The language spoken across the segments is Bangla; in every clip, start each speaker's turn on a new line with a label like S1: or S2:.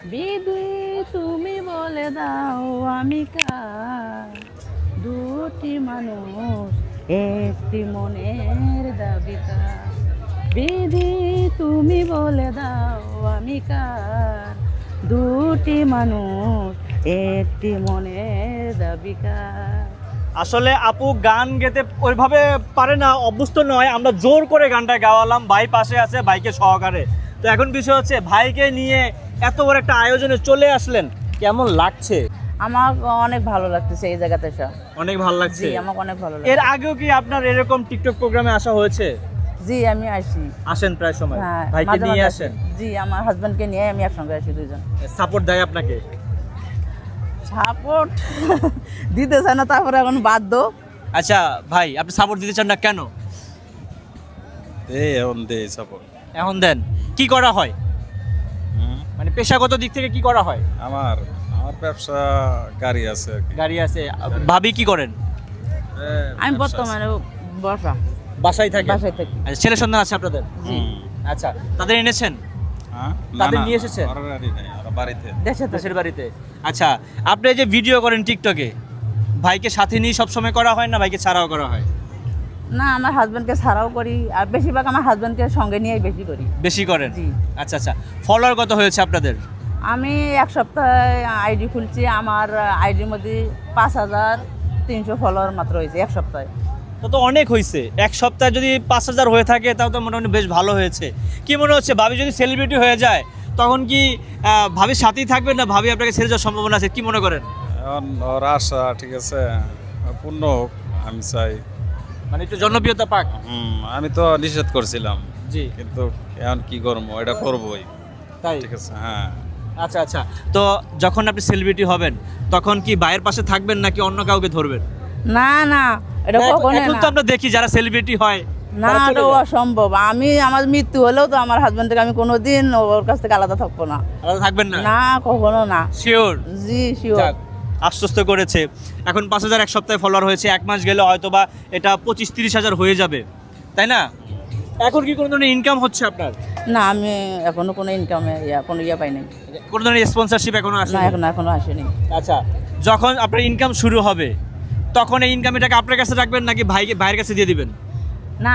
S1: বিধি তুমি বলে দাও আমি কার, দুটি মানুষ একটি মনের দাবিকার। বিধি তুমি বলে দাও আমি কার, দুটি মানুষ একটি মনের দাবিকার।
S2: আসলে আপু গান গেতে ওইভাবে পারে না, অভ্যস্ত নয়। আমরা জোর করে গানটা গাওয়ালাম, ভাই পাশে আছে ভাইকে সহকারে। তো এখন বিষয় হচ্ছে ভাইকে নিয়ে এত বড় একটা আয়োজনে চলে আসলেন, কেমন লাগছে?
S1: আমার অনেক ভালো লাগতেছে এই জায়গাতে এসে।
S2: অনেক ভালো লাগছে।
S1: জি আমার অনেক ভালো
S2: এর
S1: লাগছে।
S2: আগেও কি আপনার এরকম টিকটক প্রোগ্রামে আসা হয়েছে?
S1: জি আমি আসি।
S2: আসেন প্রায় সময়?
S1: হ্যাঁ
S2: ভাইকে
S1: মাঝে
S2: নিয়ে
S1: মাঝে
S2: আসেন?
S1: আসি। জি আমার হাজবেন্ডকে নিয়ে আমি একসঙ্গে আসি দুইজন।
S2: সাপোর্ট দেয় আপনাকে?
S1: সাপোর্ট দিতেছে না, তারপরে এখন বাধ্য।
S2: আচ্ছা ভাই, আপনি সাপোর্ট দিতে চান না কেন?
S3: এখন দেই সাপোর্ট।
S2: এখন দেন। কি করা হয়, মানে পেশাগত দিক থেকে কি করা হয়?
S3: আমার আমার ব্যবসা গাড়ি আছে আর কি।
S2: গাড়ি আছে। ভাবি কি করেন?
S1: আমি
S3: ব্যবসা আছে।
S1: বর্তমানে বসা
S2: বাসায় থাকে?
S1: বাসায় থাকি।
S2: আচ্ছা, ছেলে সন্তান আছে আপনাদের?
S3: হুম।
S2: আচ্ছা, তাদের এনেছেন?
S3: হ্যাঁ?
S2: তাদের
S3: না, না,
S2: নিয়ে এসেছেন?
S3: ওরা গাড়ি নেই, ওরা বাড়িতে।
S1: দেশে থাকি।
S2: দেশের বাড়িতে। আচ্ছা, আপনি যে ভিডিও করেন টিকটকে, ভাইকে সাথে নিয়ে সবসময় করা হয় না ভাইকে ছাড়াও করা হয়?
S1: না আমার হাজবেন্ডকে ছাড়াও করি, আর বেশিরভাগ আমার হাজবেন্ডকে সঙ্গে নিয়েই বেশি করি।
S2: বেশি করেন?
S1: জি।
S2: আচ্ছা আচ্ছা, ফলোয়ার কত হয়েছে আপনাদের?
S1: আমি এক সপ্তাহে আইডি খুলছি, আমার আইডির মধ্যে 5300 ফলোয়ার মাত্র হয়েছে এক সপ্তাহে।
S2: তো অনেক হয়েছে। এক সপ্তাহে যদি 5000 হয়ে থাকে তাও তো মোটামুটি বেশ ভালো হয়েছে। কি মনে হচ্ছে, ভাবি যদি সেলিব্রিটি হয়ে যায় তখন কি ভাবির সাথেই থাকবেন না ভাবি আপনাকে ছেড়ে যাওয়ার সম্ভাবনা আছে, কি মনে করেন?
S3: এখন ওর আশা ঠিক আছে পূর্ণ হোক আমি চাই।
S2: মানে একটু জনপ্রিয়তা পাক।
S3: আমি তো নিষেধ করছিলাম,
S2: জি।
S3: কিন্তু এখন কি করবো, এটা করবোই।
S2: তাই?
S3: ঠিক আছে, হ্যাঁ।
S2: আচ্ছা আচ্ছা, তো যখন আপনি সেলিব্রিটি হবেন তখন কি ভাইয়ের পাশে থাকবেন নাকি অন্য কাউকে ধরবেন?
S1: না না এটা
S2: না,
S1: কখনোই
S2: এখন
S1: না।
S2: তো আমরা দেখি যারা সেলিব্রিটি হয়
S1: না
S2: তারা চলে
S1: এটা
S2: যায়।
S1: অসম্ভব। আমি আমার মৃত্যু হলেও তো আমার হাজবেন্ড থেকে আমি কোনোদিন ওর কাছ থেকে আলাদা থাকবো না।
S2: আলাদা থাকবেন না?
S1: না কখনো না।
S2: শিওর?
S1: জি শিওর।
S2: যাক, আশ্বস্ত করেছে। এখন 5000 এক সপ্তাহে ফলোয়ার হয়েছে, এক মাস গেলে হয়তো বা এটা 25-30 হাজার হয়ে যাবে, তাই না? এখন কি কোনো ধরনের ইনকাম হচ্ছে আপনার?
S1: না আমি এখনো কোনো ইনকামে কোনো পাই নাই।
S2: কোনো ধরনের স্পন্সরশিপ এখনো আসে?
S1: না এখনো আসেনি।
S2: আচ্ছা, যখন আপনার ইনকাম শুরু হবে তখন এই ইনকামটাকে আপনার কাছে রাখবেন নাকি ভাইয়ের কাছে দিয়ে দিবেন?
S1: না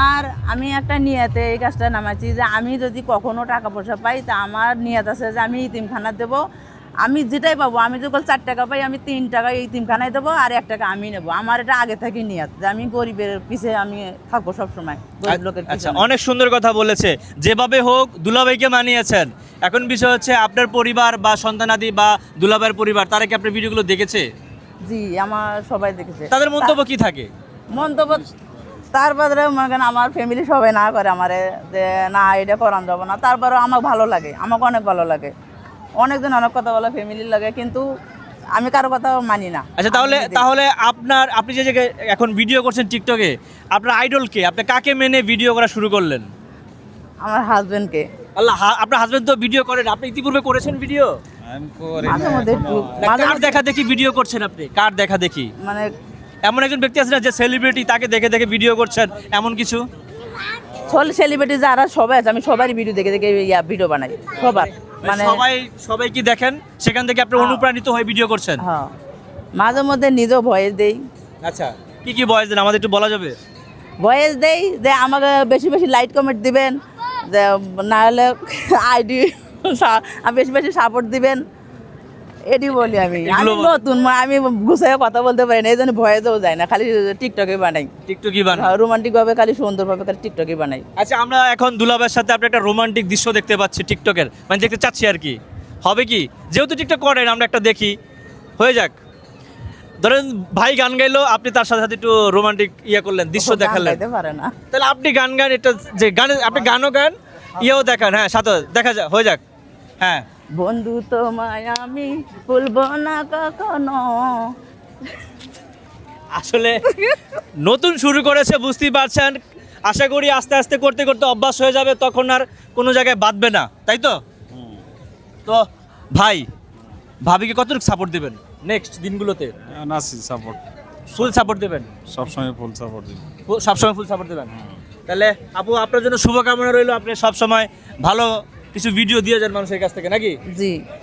S1: আমি একটা নিয়তে এই কাজটা নামাচ্ছি যে আমি যদি কখনো টাকা পয়সা পাই তা আমার নিয়ত আছে যে আমি ইতিমখানা দেবো। আমি যেটাই পাবো, আমি যখন 4 টাকা পাই আমি 3 টাকা ইতিমখানায় দেবো আর 1 টাকা আমি নেবো। আমার এটা আগে থেকে নিয়ত যে আমি গরিবের পিছে আমি থাকবো সবসময়, গরিব লোকের
S2: আচ্ছা,
S1: পিছনে।
S2: অনেক সুন্দর কথা বলেছে। যেভাবে হোক দুলাভাইকে মানিয়েছেন। এখন বিষয় হচ্ছে আপনার পরিবার বা সন্তানাদি বা দুলাভাইয়ের পরিবার তারা কি আপনার ভিডিওগুলো দেখেছে?
S1: জি আমার সবাই দেখেছে।
S2: তাদের মন্তব্য কি থাকে?
S1: মন্তব্য তারপরে মনে করেন আমার ফ্যামিলি সবাই না করে আমারে যে না এটা করান যাবো না, তারপরে আমার ভালো লাগে, আমাকে অনেক ভালো লাগে। অনেকদিন অনেক কথা বলে ফ্যামিলির লাগে, কিন্তু আমি কারো কথা মানি না।
S2: আচ্ছা, তাহলে আপনি যে জায়গায় এখন ভিডিও করছেন টিকটকে, আপনার আইডল কে? আপনি কাকে মেনে ভিডিও করা শুরু করলেন?
S1: আমার হাজবেন্ডকে।
S2: আল্লাহ, আপনার হাজবেন্ড তো ভিডিও করেন, আপনি ইতিপূর্বে করেছেন ভিডিও?
S3: আমি করি
S1: মাঝে
S3: না
S1: মধ্যে
S3: এখনো।
S1: একটু
S2: কার দেখা দেখি ভিডিও করছেন আপনি? কার দেখা দেখি?
S1: মানে
S2: এমন একজন ব্যক্তি আছে না যে সেলিব্রিটি, তাকে দেখে দেখে ভিডিও করছেন এমন কিছু?
S1: সেলিব্রিটি যারা সবাই আছে আমি সবারই ভিডিও দেখে দেখে ভিডিও বানাই সবার। মানে
S2: সবাই কি দেখেন সেখান থেকে আপনি অনুপ্রাণিত হয়ে ভিডিও করছেন?
S1: হ্যাঁ মাঝে মধ্যে নিজেও ভয়েস দেই।
S2: আচ্ছা, কি বয়স দেন আমাদের একটু বলা যাবে?
S1: ভয়েস দেই যে আমাকে বেশি বেশি লাইক কমেন্ট দিবেন, যে না হলে আইডি বেশি বেশি সাপোর্ট দিবেন, এটি বলি। আমি নতুন আমি গুছিয়ে কথা বলতে পারি না, এই জন্য ভয়েসও যায় না, খালি টিকটকে বানাই।
S2: টিকটকই বানান?
S1: রোমান্টিক ভাবে খালি সুন্দরভাবে খালি টিকটকে বানাই।
S2: আচ্ছা, আমরা এখন দুলাভাইয়ের সাথে আপনি একটা রোমান্টিক দৃশ্য দেখতে পাচ্ছি টিকটকের, মানে দেখতে চাচ্ছি আর কি। হবে কি, যেহেতু টিকটক করেন আমরা একটা দেখি, হয়ে যাক। ধরেন ভাই গান গাইলো, আপনি তার সাথে সাথে একটু রোমান্টিক করলেন, দৃশ্য দেখালেন।
S1: গাইতে পারে না।
S2: তাহলে আপনি গান এটা যে গানে আপনি গানও গান, দেখান। হ্যাঁ, সাথে দেখা যাক, হয়ে যাক। হ্যাঁ।
S1: বন্ধু তোমায় আমি ভুলবো না কখনো।
S2: আসলে নতুন শুরু করেছে, বুঝতেই পারছেন। আশা করি আস্তে আস্তে করতে করতে অভ্যাস হয়ে যাবে, তখন আর কোনো জায়গায় বাঁধবে না, তাই তো? তো ভাই, ভাবিকে কতটুকু সাপোর্ট দেবেন নেক্সট দিনগুলোতে?
S3: এখন আছি সাপোর্ট,
S2: ফুল সাপোর্ট দেবেন?
S3: সবসময় ফুল সাপোর্ট দিই।
S2: সবসময় ফুল সাপোর্ট দেবেন? তাহলে আপু, আপনার জন্য শুভকামনা রইল, আপনি সবসময় ভালো কিছু ভিডিও দিয়ে যান মানুষের কাছ থেকে নাকি?
S1: জি।